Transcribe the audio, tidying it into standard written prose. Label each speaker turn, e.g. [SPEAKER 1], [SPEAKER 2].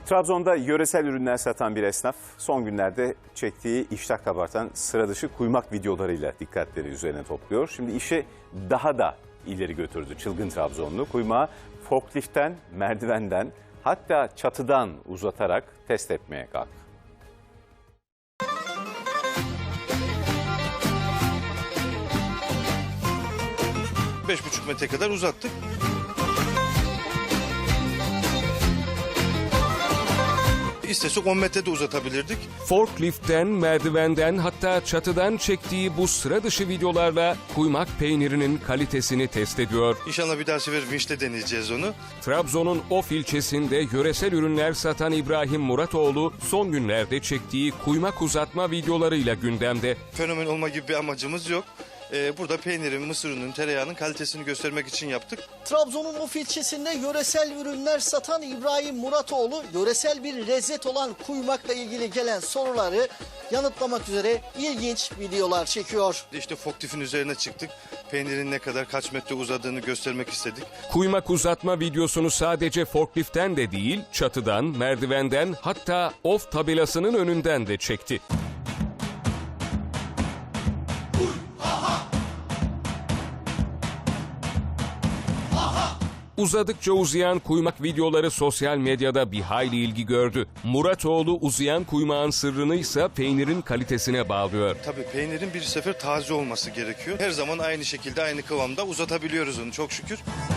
[SPEAKER 1] Trabzon'da yöresel ürünler satan bir esnaf son günlerde çektiği iştah kabartan sıra dışı kuymak videolarıyla dikkatleri üzerine topluyor. Şimdi işi daha da ileri götürdü çılgın Trabzonlu. Kuymağı forkliftten, merdivenden hatta çatıdan uzatarak test etmeye kalktı.
[SPEAKER 2] 5,5 metre kadar uzattık. İstesek 10 metre de uzatabilirdik.
[SPEAKER 3] Forkliftten, merdivenden hatta çatıdan çektiği bu sıra dışı videolarla kuymak peynirinin kalitesini test ediyor.
[SPEAKER 2] İnşallah bir daha sefer vinçle deneyeceğiz onu.
[SPEAKER 3] Trabzon'un Of ilçesinde yöresel ürünler satan İbrahim Muratoğlu son günlerde çektiği kuymak uzatma videolarıyla gündemde.
[SPEAKER 2] Fenomen olma gibi bir amacımız yok. Burada peynirin, mısır ununun, tereyağının kalitesini göstermek için yaptık.
[SPEAKER 4] Trabzon'un Of ilçesinde yöresel ürünler satan İbrahim Muratoğlu, yöresel bir lezzet olan kuymakla ilgili gelen soruları yanıtlamak üzere ilginç videolar çekiyor.
[SPEAKER 2] İşte forkliftin üzerine çıktık. Peynirin ne kadar, kaç metre uzadığını göstermek istedik.
[SPEAKER 3] Kuymak uzatma videosunu sadece forkliftten de değil, çatıdan, merdivenden hatta Of tabelasının önünden de çekti. Uzadıkça uzayan kuymak videoları sosyal medyada bir hayli ilgi gördü. Muratoğlu uzayan kuymağın sırrını ise peynirin kalitesine bağlıyor.
[SPEAKER 2] Tabii peynirin bir sefer taze olması gerekiyor. Her zaman aynı şekilde, aynı kıvamda uzatabiliyoruz onu çok şükür.